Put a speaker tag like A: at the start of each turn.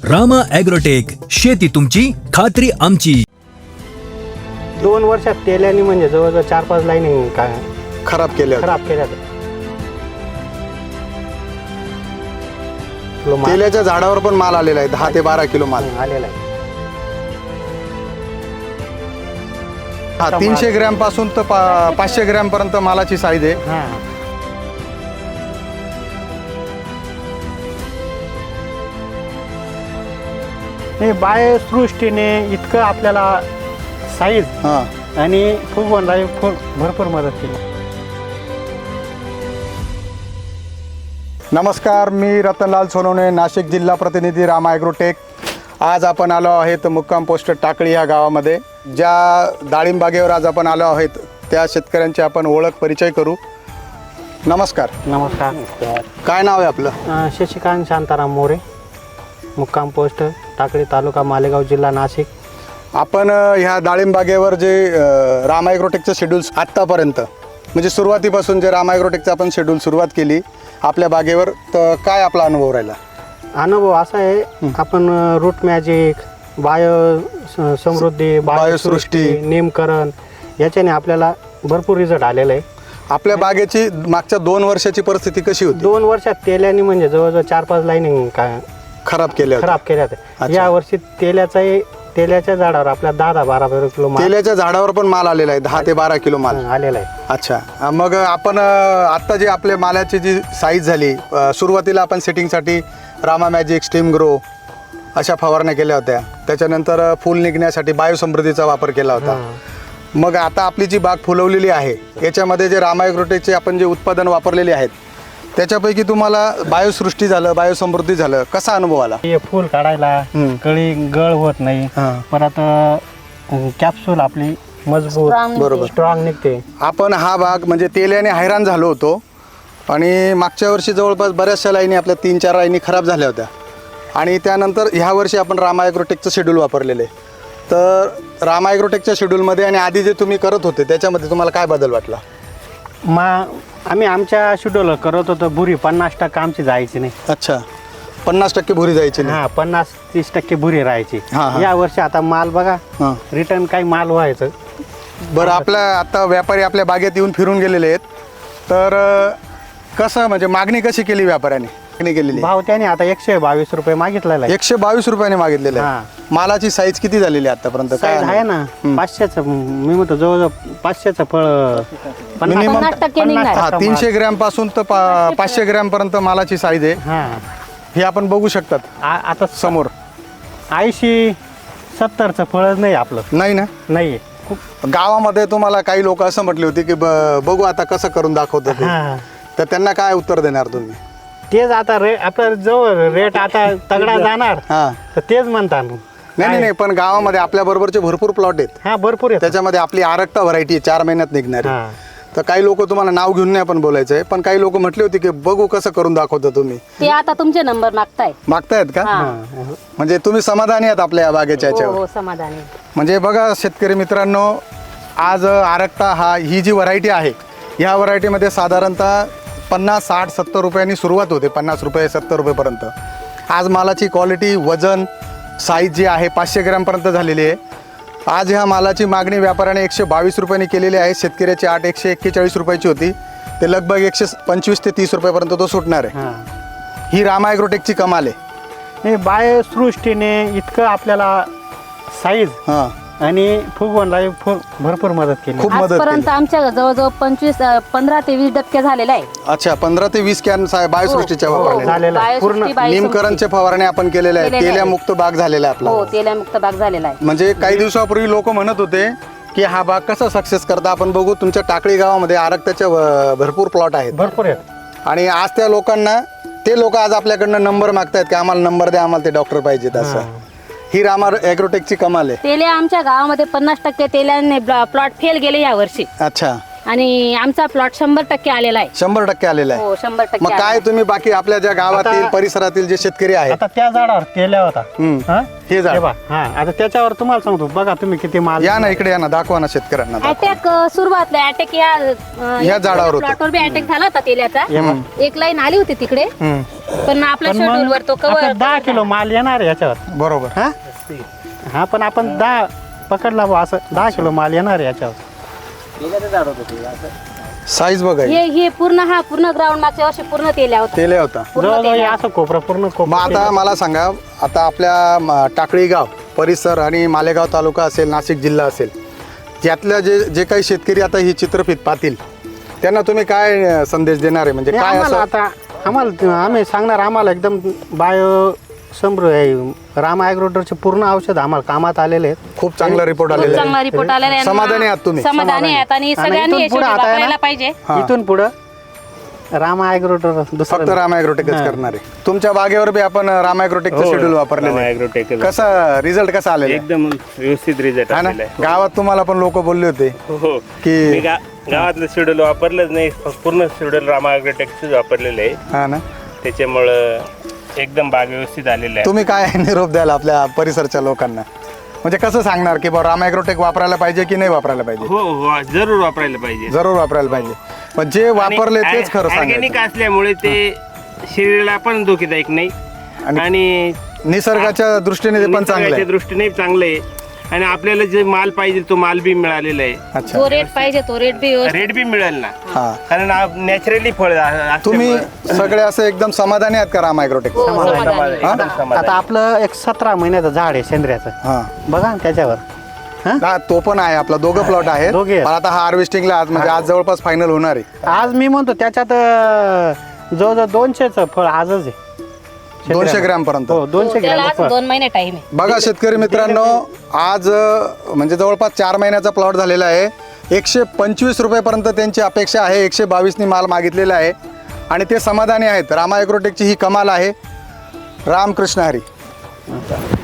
A: Rama agrotech, शेती तुमची, खात्री आमची.
B: 2 वर्षात तेल्याने म्हणजे जवळजवळ 4-5 लाईनी
C: खराब केल्या तेल्याच्या झाडावर पण माल आलेला आहे, 10 ते 12 किलो माल
B: आलेला आहे.
C: हा 300 ग्रॅम पासून तर 500 ग्रॅम पर्यंत मालाची साईज आहे.
B: हा हे बायोसृष्टीने इतकं आपल्याला साईज
C: हा
B: आणि फुगवणला भरपूर मदत केली.
C: नमस्कार, मी रतनलाल सोनवणे, नाशिक जिल्हा प्रतिनिधी रामा ॲग्रोटेक. आज आपण आलो आहेत मुक्काम पोस्ट टाकळी या गावामध्ये. ज्या डाळिंब बागेवर आज आपण आलो आहोत त्या शेतकऱ्यांची आपण ओळख परिचय करू. नमस्कार.
B: नमस्कार.
C: काय नाव आहे आपलं?
B: शशिकांत शांताराम मोरे, मुक्काम पोस्ट टाकळी, तालुका मालेगाव, जिल्हा नाशिक.
C: आपण ह्या डाळिंब बागेवर जे रामा ॲग्रोटेकचं शेड्यूल्स आत्तापर्यंत म्हणजे सुरुवातीपासून जे रामा ॲग्रोटेकचं आपण शेड्यूल सुरुवात केली आपल्या बागेवर, तर काय आपला अनुभव राहिला?
B: अनुभव असा आहे, आपण रूट मॅजिक, समृद्धी,
C: बायोसृष्टी,
B: नेमकरण याच्याने आपल्याला भरपूर रिझल्ट आलेला आहे.
C: आपल्या बागेची मागच्या 2 वर्षाची परिस्थिती कशी होती?
B: 2 वर्षात तेल्याने म्हणजे जवळजवळ 4-5 लाईनी
C: खराब केल्या
B: होत्या. या वर्षी तेल्याच्या झाडावर आपल्या 10-12 किलो माल
C: तेल्याच्या झाडावर पण माल आलेला आहे, 10 ते 12 किलो माल
B: आलेला आहे.
C: अच्छा, मग आपण आता जे आपल्या मालाची जी साईज झाली, सुरुवातीला आपण सेटिंगसाठी रामा मॅजिक, स्टीम ग्रो अशा फवारण्या केल्या होत्या. त्याच्यानंतर फुल निघण्यासाठी बायोसमृद्धीचा वापर केला होता. मग आता आपली जी बाग फुलवलेली आहे याच्यामध्ये जे रामा ॲग्रोटेकचे आपण जे उत्पादन वापरलेले आहेत त्याच्यापैकी तुम्हाला बायोसृष्टी झालं, बायोसमृद्धी झालं, कसा अनुभव आला?
B: हे फुल काढायला कळी गळ होत नाही, परत कॅप्सूल आपली मजबूत
C: बरोबर
B: स्ट्रॉंग निघते. आपण
C: हा भाग म्हणजे तेल्याने हैराण झालो होतो आणि मागच्या वर्षी जवळपास बऱ्याचशा लाईनी आपल्या 3-4 लाईनी खराब झाल्या होत्या आणि त्यानंतर ह्या वर्षी आपण रामा ॲग्रोटेकचं शेड्यूल वापरलेले. तर रामा ॲग्रोटेकच्या शेड्यूलमध्ये आणि आधी जे तुम्ही करत होते त्याच्यामध्ये तुम्हाला काय बदल वाटला?
B: आम्ही आमच्या शेड्यूल करत होतो, बुरी 50% आमची जायची नाही.
C: अच्छा, 50% भुरी जायची नाही.
B: 50-30% बुरी राहायची.
C: हा.
B: या वर्षी आता माल बघा, रिटर्न काही माल व्हायचं.
C: बरं, आपल्या आता व्यापारी आपल्या बागेत येऊन फिरून गेलेले आहेत, तर कसं म्हणजे मागणी कशी केली व्यापाऱ्याने? केलेली
B: भाव त्याने आता 122 रुपये मागितलेला आहे.
C: 122 रुपयाने मागितलेलं आहे. मालाची साईज किती झालेली आहे आतापर्यंत? काय
B: आहे ना 500चं, मी म्हणतो जवळजवळ 500चं फळ
C: मिनिमम
D: 50% निघणार.
C: 300 ग्रॅम पासून तर 500 ग्रॅम पर्यंत मालाची साईज आहे. हे आपण बघू शकतात
B: आता
C: समोर.
B: 80-70चं फळच नाही आपलं.
C: नाही ना?
B: नाही.
C: गावामध्ये तुम्हाला काही लोक असं म्हटले होते की बघू आता कसं करून दाखवतो ते. तर त्यांना काय उत्तर देणार तुम्ही?
B: तेच आता आपल्या जवळ रेट आता तगडा जाणार तर तेच म्हणतात.
C: नाही, पण गावामध्ये आपल्या बरोबरचे भरपूर प्लॉट आहेत.
B: भरपूर आहे.
C: त्याच्यामध्ये आपली आरक्ता व्हरायटी 4 महिन्यात निघणार. तर काही लोक तुम्हाला नाव घेऊन नाही पण बोलायचंय, पण काही लोक म्हटले होते की बघू कसं करून दाखवतो तुम्ही.
D: ते आता तुमचे नंबर
C: मागतायत का? म्हणजे तुम्ही समाधानी आहात आपल्या या बागेच्या याच्यावर?
D: हो, समाधानी.
C: म्हणजे बघा शेतकरी मित्रांनो, आज आरक्ता ही जी व्हरायटी आहे, ह्या व्हरायटीमध्ये साधारणतः 50, 60, 70 रुपयांनी सुरुवात होते, 50 रुपये 70 रुपयेपर्यंत. आज मालाची क्वालिटी, वजन, साईज जी आहे 500 ग्रॅमपर्यंत झालेली आहे. आज ह्या मालाची मागणी व्यापाऱ्याने 122 रुपयांनी केलेली आहे. शेतकऱ्याची 141 रुपयाची होती, ते लगभग 125 ते 30 रुपयापर्यंत तो सुटणार आहे. ही रामा ॲग्रोटेकची कमाल आहे.
B: हे बायोसृष्टीने इतकं आपल्याला साईज आणि फुगवणला भरपूर मदत केली.
C: खूप मदत केली.
D: आजपर्यंत आमच्या जवळजवळ 15 ते 20 डबके झालेला आहे.
C: अच्छा, 15 ते 20 कॅन बायोसृष्टीच्या वापरलेल्या. निमकरणचे फवारणी आपण केलेल्या आहेत. तेल्यामुक्त बाग झालेला आहे आपला.
D: हो, तेल्यामुक्त बाग झालेला आहे.
C: म्हणजे काही दिवसापूर्वी लोक म्हणत होते की हा बाग कसा सक्सेस करता. आपण बघू, तुमच्या टाकळी गावामध्ये आरक्ताच्या भरपूर प्लॉट आहेत,
B: भरपूर आहेत.
C: आणि आज त्या लोकांना ते लोक आज आपल्याकडनं नंबर मागतायत की आम्हाला नंबर द्या, आम्हाला ते डॉक्टर पाहिजेत. असं ही रामा ॲग्रोटेकची कमाल आहे.
D: तेल्या आमच्या गावामध्ये 50% तेल्याने प्लॉट फेल गेले या वर्षी.
C: अच्छा,
D: आणि आमचा प्लॉट 100% आलेला आहे.
C: 100% आलेला आहे.
D: हो 100%
C: मग काय तुम्ही बाकी आपल्या ज्या गावातील
B: आता-
C: परिसरातील जे शेतकरी आहेत
B: आता त्या झाडावर केल्या होता हा?
C: हे झाड
B: हा आता त्याच्यावर तुम्हाला सांगतो बघा तुम्ही किती माल
C: या ना इकडे या ना दाखवा ना शेतकऱ्यांना दाखवा.
D: अटॅक सुरुवातला अटॅक
C: ह्या झाडावर होता.
D: प्लॉटवर बी अटॅक झाला होता तेल्याचा.
B: हम्म.
D: एक लाईन आली होती तिकडे
C: हम्म,
D: पण आपल्या
B: पण मग
D: शेड्यूल वर तो
B: आता
D: कव्हर
B: 10 किलो माल येणार आहे याच्यावर
C: बरोबर.
B: हा हा पण आपण 10 पकडला बुवा असं 10 किलो माल येणार आहे याच्यावर.
C: साईज बघा ही.
D: हे पूर्ण ग्राउंड मागच्या वर्षी पूर्ण तेल्या होता.
C: केले होता.
D: पूर्ण
B: जवळजवळ
D: तेल्या.
B: असं कोपरा पूर्ण
C: मग
B: कोपरा
C: आता मला सांगा, आता आपल्या टाकळी गाव परिसर आणि मालेगाव तालुका असेल, नाशिक जिल्हा असेल, यातल्या जे काही शेतकरी आता ही चित्रफित पाहतील त्यांना तुम्ही काय संदेश देणार आहे? म्हणजे
B: नाही,
C: काय
B: आम्हाला
C: असं
B: आता आम्ही सांगणार आम्हाला एकदम बायो राम ॲग्रोडरचे पूर्ण औषध आम्हाला कामात आलेले आहेत.
C: खूप चांगला रिपोर्ट
D: खूप
C: आलेला
D: चांगला
C: आहे.
D: रिपोर्ट आलेला आहे.
C: समाधानी आहात तुम्ही?
D: समाधानी आहेत आणि सगळ्यांनी
B: इथून
D: हे
B: पुढं
D: शेड्यूल
B: आता आहे ना?
D: वापरायला पाहिजे.
C: हा.
B: इथून पुढं राम ॲग्रोडर
C: फक्त
B: दुसरं
C: राम ॲग्रोटेकच करणार आहे. तुमच्या बागेवर बी आपण राम ॲग्रोटेकचं
E: हो,
C: शेड्यूल वापरलेलं
E: राम
C: आहे.
E: ॲग्रोटेकच.
C: कसा रिझल्ट कसा आलेला आहे?
E: एकदम व्यवस्थित रिझल्ट
C: हा ना,
E: आलेला आहे.
C: गावात तुम्हाला पण लोक बोलले होते
E: हो
C: की-
E: मी गावातलं शेड्यूल वापरलंच नाही, पूर्ण शेड्यूल राम ॲग्रोटेकच वापरलेलं आहे.
C: हा ना,
E: त्याच्यामुळं एकदम बाग व्यवस्थित आलेला आहे.
C: तुम्ही काय निरोप द्याल आपल्या परिसरच्या लोकांना? म्हणजे कसं सांगणार की बा राम ॲग्रोटेक वापरायला पाहिजे की नाही वापरायला पाहिजे?
E: हो हो जरूर वापरायला पाहिजे.
C: जरूर वापरायला पाहिजे. पण जे वापरले तेच खरं
E: ऑर्गॅनिक
C: सांगायचं.
E: असल्यामुळे ते शरीराला पण धोकेदायक नाही आणि
C: निसर्गाच्या दृष्टीने ते पण चांगलं
E: निसर्गाच्या
C: आहे.
E: दृष्टीने चांगलं आहे आणि आपल्याला जे माल पाहिजे तो माल बी मिळालेला आहे.
C: अच्छा,
D: जो रेट पाहिजे तो रेट बी व्यवस्थित.
E: रेट बी मिळेल ना,
C: हा.
E: कारण नॅचरली फळ
C: तुम्ही सगळे असं एकदम समाधानी आहात का राम ॲग्रोटेक?
D: हो, समाधानी.
B: आता आपलं एक 17 महिन्याचं झाड आहे सेंद्रियाचं
C: हा
B: बघा ना त्याच्यावर
C: हा, तो पण आहे आपला. दोघं प्लॉट आहेत.
B: दोघे आहेत.
C: पण आता हा हार्वेस्टिंगला आज म्हणजे आज जवळपास फायनल होणार आहे.
B: आज मी म्हणतो त्याच्यात जवळजवळ 200चं फळ आजच आहे
C: 200 ग्रॅम पर्यंत.
B: हो 200
D: त्याला
B: ग्रॅम
D: अजून 2 महिने टाइम आहे.
C: बघा शेतकरी मित्रांनो, आज म्हणजे जवळपास 4 महिन्याचा प्लॉट झालेला आहे. 125 रुपयेपर्यंत त्यांची अपेक्षा आहे. 122नी माल मागितलेला आहे आणि ते समाधानी आहेत. रामा ॲग्रोटेकची ही कमाल आहे. रामकृष्ण हरी.